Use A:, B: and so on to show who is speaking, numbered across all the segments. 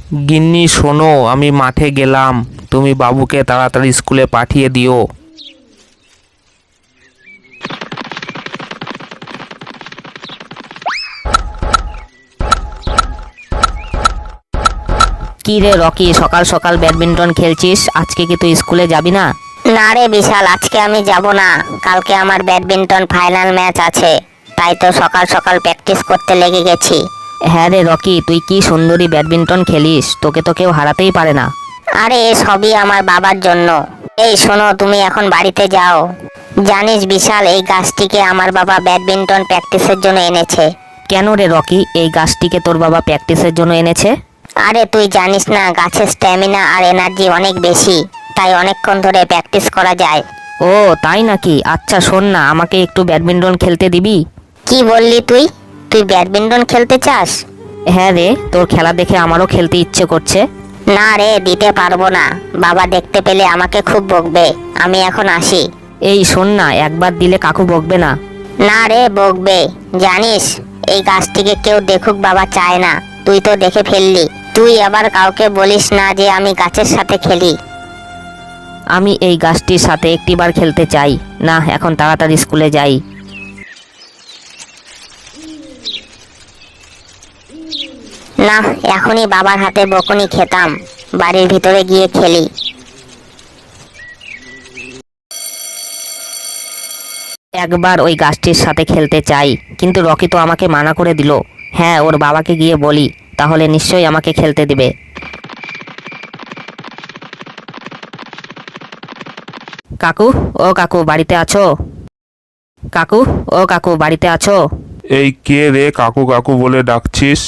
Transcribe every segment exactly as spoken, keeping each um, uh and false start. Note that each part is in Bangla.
A: গিন্নি শোনো, আমি মাঠে গেলাম, তুমি বাবুকে তাড়াতাড়ি স্কুলে পাঠিয়ে দিও।
B: কি রে রকি, সকাল সকাল ব্যাডমিন্টন খেলছিস? আজকে কি তুই স্কুলে যাবি না?
C: না রে বিশাল, আজকে আমি যাব না। কালকে আমার ব্যাডমিন্টন ফাইনাল ম্যাচ আছে, তাই তো সকাল সকাল প্র্যাকটিস করতে লেগে গেছি।
B: হ্যাঁ রে রকি, তুই কি সুন্দরী ব্যাডমিন্টন খেলিস, তোকে তো কেউ হারাতেই পারে না।
C: আরে এ সবই আমার বাবার জন্য। এই শোনো, তুমি এখন বাড়িতে যাও। জানিস বিশাল, এই গাছটিকে আমার বাবা ব্যাডমিন্টন প্র্যাকটিসের জন্য এনেছে।
B: কেন রে রকি, এই গাছটিকে তোর বাবা প্র্যাকটিসের জন্য এনেছে?
C: আরে তুই জানিস না, গাছের স্ট্যামিনা আর এনার্জি অনেক বেশি, তাই অনেকক্ষণ ধরে প্র্যাকটিস করা যায়।
B: ও তাই নাকি? আচ্ছা শোন না, আমাকে একটু ব্যাডমিন্টন খেলতে দিবি?
C: কি বললি তুই? তুই ব্যাডমিন্টন খেলতে চাস?
B: হ্যাঁ রে, তোর খেলা দেখে আমারও খেলতে ইচ্ছে করছে।
C: না রে, দিতে পারবো না। বাবা দেখতে পেলে আমাকে খুব বকবে। আমি এখন আসি।
B: এই শোন না, একবার দিলে কাকু বকবে না?
C: না রে, বকবে। জানিস, এই গাছটিকে কেউ দেখুক বাবা চায় না। তুই তো দেখে ফেললি। তুই আবার কাউকে বলিস না যে আমি গাছের সাথে খেলি।
B: আমি এই গাছটির সাথে একটিবার খেলতে চাই। না, এখন তাড়াতাড়ি স্কুলে যাই।
C: না, এখনই বাবার হাতে বকুনি খেতাম। বাড়ির ভিতরে গিয়ে খেলি।
B: একবার ওই গাছটির সাথে খেলতে চাই, কিন্তু রকি তো আমাকে মানা করে দিল। হ্যাঁ, ওর বাবাকে গিয়ে বলি, তাহলে নিশ্চয়ই আমাকে খেলতে দিবে। কাকু, ও কাকু বাড়িতে আছো? কাকু, ও কাকু বাড়িতে আছো?
D: এই কে রে কাকু কাকু বলে ডাকছিস?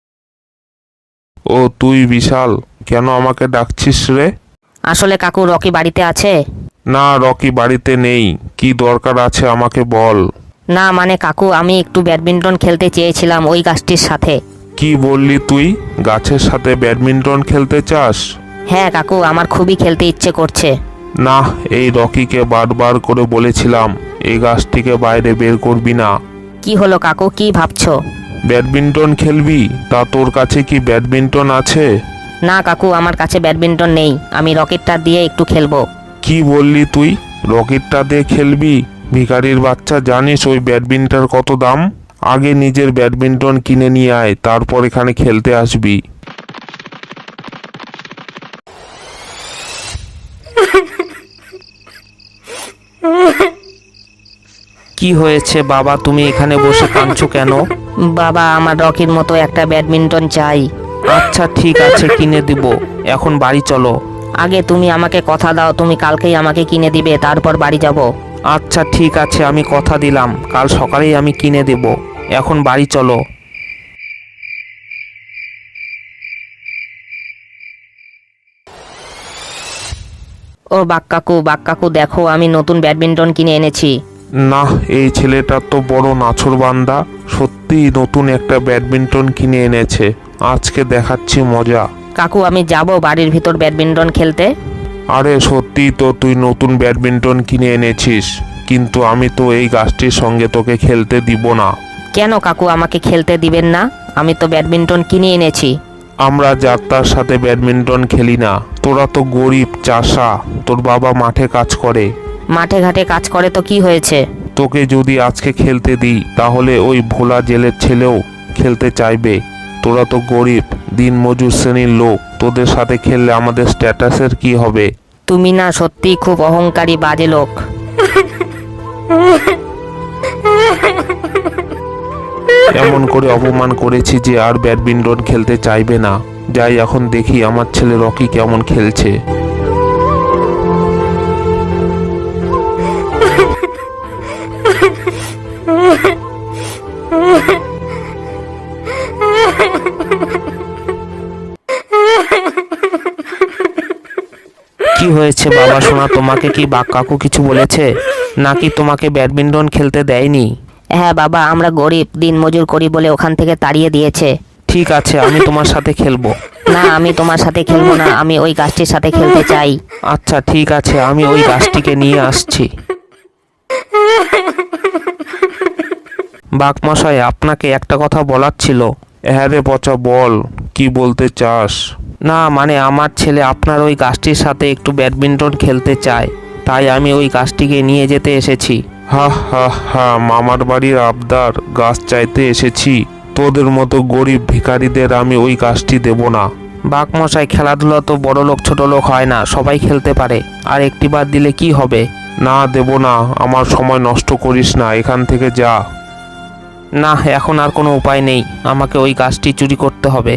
D: ও তুই বিশাল, কেন আমাকে ডাকছিস রে?
B: আসলে কাকু, রকি বাড়িতে আছে?
D: না, রকি বাড়িতে নেই। কি দরকার আছে আমাকে বল।
B: না মানে কাকু, আমি একটু ব্যাডমিন্টন খেলতে চেয়েছিলাম ওই গাছটির সাথে।
D: কি বললি তুই? গাছের সাথে ব্যাডমিন্টন খেলতে চাস?
B: হ্যাঁ কাকু, আমার খুবই খেলতে ইচ্ছে করছে।
D: না, এই রকিকে বারবার করে বলেছিলাম এই গাছটিকে বাইরে বের করবি না।
B: কি হলো কাকু, কি ভাবছো?
D: ব্যাডমিন্টন খেলবি? তা তোর কাছে কি ব্যাডমিন্টন আছে?
B: না কাকু, আমার কাছে ব্যাডমিন্টন নেই, আমি রকেটটা দিয়ে একটু খেলবো।
D: কি বললি তুই? রকেটটা দিয়ে খেলবি? ভিখারির বাচ্চা, জানিস ওই ব্যাডমিন্টন কত দাম? আগে নিজের ব্যাডমিন্টন কিনে নিয়ে আয়, তারপর এখানে খেলতে আসবি।
A: কি হয়েছে বাবা, তুমি এখানে বসে কাঁদছো কেন?
B: বাবা, আমার রকির মতো একটা ব্যাডমিন্টন চাই।
A: আচ্ছা ঠিক আছে, কিনে দিব। এখন বাড়ি চলো।
B: আগে তুমি আমাকে কথা দাও, তুমি কালকেই আমাকে কিনে দিবে, তারপর বাড়ি যাব।
A: আচ্ছা ঠিক আছে, আমি কথা দিলাম, কাল সকালেই আমি কিনে দেব। এখন বাড়ি চলো।
B: ও বাক কাকু, বাক কাকু দেখো, আমি নতুন ব্যাডমিন্টন কিনে এনেছি।
D: না, এই ছেলেটা তো বড় নাছোড়বান্দা। সত্যিই নতুন একটা ব্যাডমিন্টন কিনে এনেছে। আজকে দেখাচ্ছি মজা।
B: কাকু, আমি যাব বাড়ির ভিতর ব্যাডমিন্টন খেলতে।
D: আরে সত্যিই তো তুই নতুন ব্যাডমিন্টন কিনে এনেছিস, কিন্তু আমি তো এই গাছটির সঙ্গে তোকে খেলতে দিব না।
B: কেন কাকু, আমাকে খেলতে দিবেন না? আমি তো ব্যাডমিন্টন কিনে এনেছি।
D: আমরা যাত্রার সাথে ব্যাডমিন্টন খেলি না। তোরা তো গরিব চাষা, তোর বাবা মাঠে কাজ করে।
B: মাঠে ঘাটে কাজ করে তো কি হয়েছে?
D: তোকে যদি আজকে খেলতে দিই, তাহলে ওই ভোলা জেলের ছেলেও খেলতে চাইবে। তোরা তো গরিব দিনমজুর শ্রেণীর লোক, তোদের সাথে খেললে আমাদের স্ট্যাটাসের কি হবে?
B: তুমি না সত্যিই খুব অহংকারী বাজে লোক।
D: এমন করে অপমান করেছি যে আর ব্যাডমিন্টন খেলতে চাইবে না। যাই এখন দেখি আমার ছেলে রকি কেমন খেলছে।
A: কি হয়েছে বাবা সোনা, তোমাকে কি বাক কাকু কিছু বলেছে, নাকি তোমাকে ব্যাডমিন্টন খেলতে দেয়নি?
B: হ্যাঁ বাবা, আমরা গরিব দিনমজুর করি বলে ওখান থেকে তাড়িয়ে দিয়েছে।
A: ঠিক আছে, আমি তোমার সাথে খেলবো।
B: না, আমি তোমার সাথে খেলবো না, আমি ওই গাছটির সাথে খেলতে চাই।
A: আচ্ছা ঠিক আছে, আমি ওই গাছটিকে নিয়ে আসছি। বাঘ মশাই, আপনাকে একটা কথা বলার ছিল।
D: হ্যাঁ রে পচা, বল কি বলতে চাস?
A: না মানে আমার ছেলে আপনার ওই গাছটির সাথে একটু ব্যাডমিন্টন খেলতে চায়, তাই আমি ওই গাছটিকে নিয়ে যেতে এসেছি।
D: হা হা হা, মামার বাড়ির আবদার গাছ চাইতে এসেছি? তোদের মতো গরিব ভিখারিদের আমি ওই গাছটি দেব না।
A: বাঘমশাই, খেলাধুলা তো বড় লোক ছোট লোক হয় না, সবাই খেলতে পারে, আর একটি বার দিলে কি হবে?
D: না, দেব না। আমার সময় নষ্ট করিস না, এখান থেকে যা।
A: না, এখন আর কোনো উপায় নেই, আমাকে ওই গাছটি চুরি করতে হবে।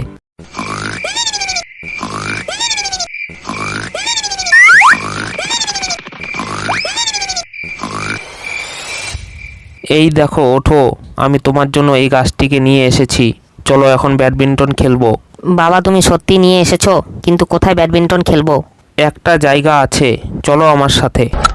A: এই দেখো, ওঠো, আমি তোমার জন্য এই গাছটিকে নিয়ে এসেছি। চলো এখন ব্যাডমিন্টন খেলবো।
B: বাবা তুমি সত্যি নিয়ে এসেছো, কিন্তু কোথায় ব্যাডমিন্টন খেলবো?
A: একটা জায়গা আছে, চলো আমার সাথে।